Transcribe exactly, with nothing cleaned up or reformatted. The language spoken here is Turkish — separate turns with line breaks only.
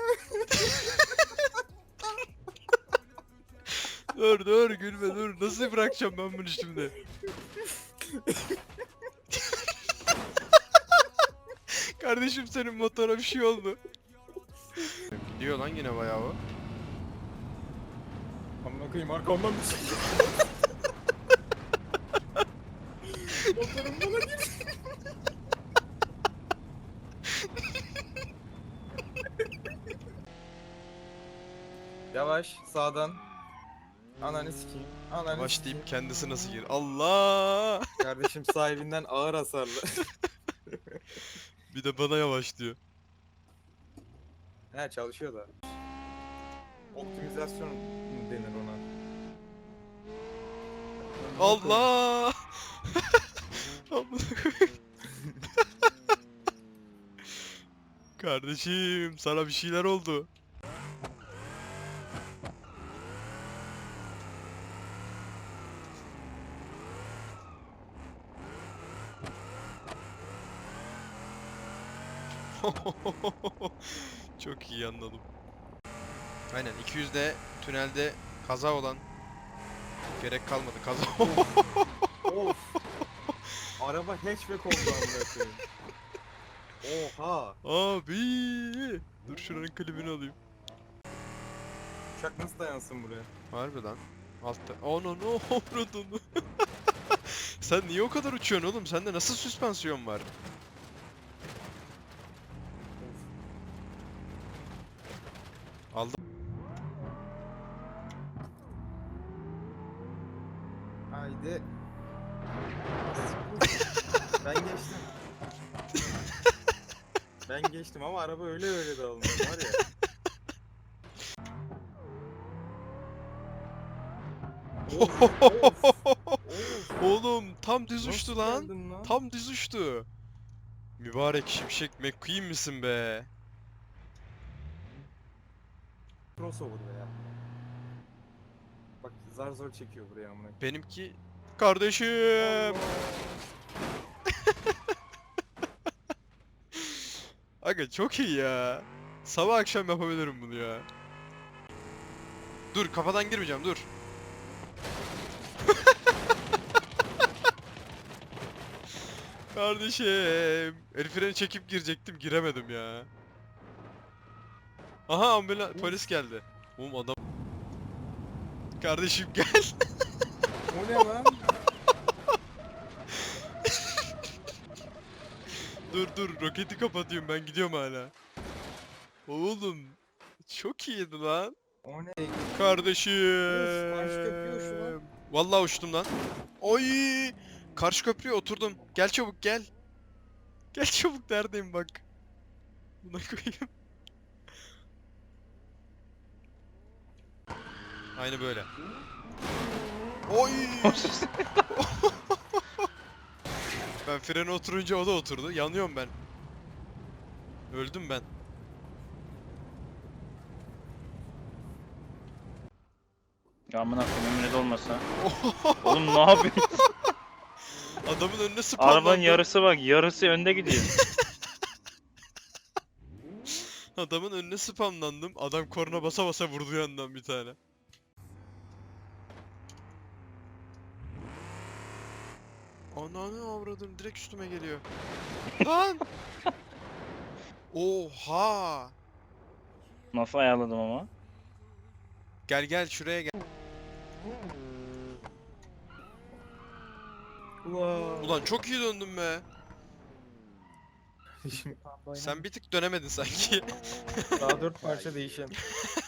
Dur dur gülme dur. Nasıl bırakacağım ben bunu şimdi? Kardeşim senin motora bir şey oldu. Gidiyor lan yine bayağı o.
Amına koyayım arkamdan bir şey. Motorum bana gir. Yavaş sağdan. Ananı sikeyim. Ananı
Yavaş
sikeyim.
deyip kendisi nasıl gir? Allah!
Kardeşim sahibinden ağır hasarlı.
Bir de bana yavaş diyor.
He çalışıyor da. Optimizasyon denir ona.
Allah! Amına koyayım. Kardeşim sana bir şeyler oldu. Çok iyi anladım. Aynen iki yüzde tünelde kaza olan gerek kalmadı kaza.
Of. Araba hatchback oldu amına koyayım. Oha.
Abi! Dur şuranın klibini alayım.
Uçak nasıl dayansın buraya?
Harbi lan. Altta. Ananı avradını. Sen niye o kadar uçuyorsun oğlum? Sende nasıl süspansiyon var? Aldım.
Haydi. Ben geçtim. Ben geçtim ama araba öyle öyle de olmuş var ya. Of, of, of.
Oğlum tam düz uçtu
Nasıl
lan.
geldin lan?
Tam düz uçtu. Mübarek Şimşek McQueen misin be?
Crossover be ya. Bak zar zor çekiyor buraya amına.
Benimki kardeşim. Aga çok iyi ya. Sabah akşam yapabilirim bunu ya. Dur kafadan girmeyeceğim dur. Kardeşim. El freni çekip girecektim giremedim ya. Aha ambulans polis geldi. Oğlum adam. Kardeşim gel.
O ne lan?
Dur dur roketi kapatıyorum ben gidiyorum hala. Oğlum çok iyiydi lan.
O ne?
Kardeşim.
Of, karşı köprüye uçtu lan.
Vallahi uçtum lan. Oy! Karşı köprüye oturdum. Gel çabuk gel. Gel çabuk neredeyim bak. Buna koyayım. Aynı böyle. Oy! Ben frene oturunca o da oturdu. Yanıyorum ben. Öldüm ben.
Ya amına koyayım önünde olmasa. Oğlum ne yapıyorsun?
Adamın önüne spamlandım.
Arabanın yarısı bak, yarısı önde gidiyor.
Adamın önüne spamlandım. Adam korna basa basa vurdu yandan bir tane. Ananı avradım direkt üstüme geliyor. Lan! Oha!
Nasıl ayarladım ama?
Gel gel şuraya gel.
Ulan.
Ulan çok iyi döndün be.
Şimdi
Sen bir tık dönemedin sanki.
daha dört parça değişen.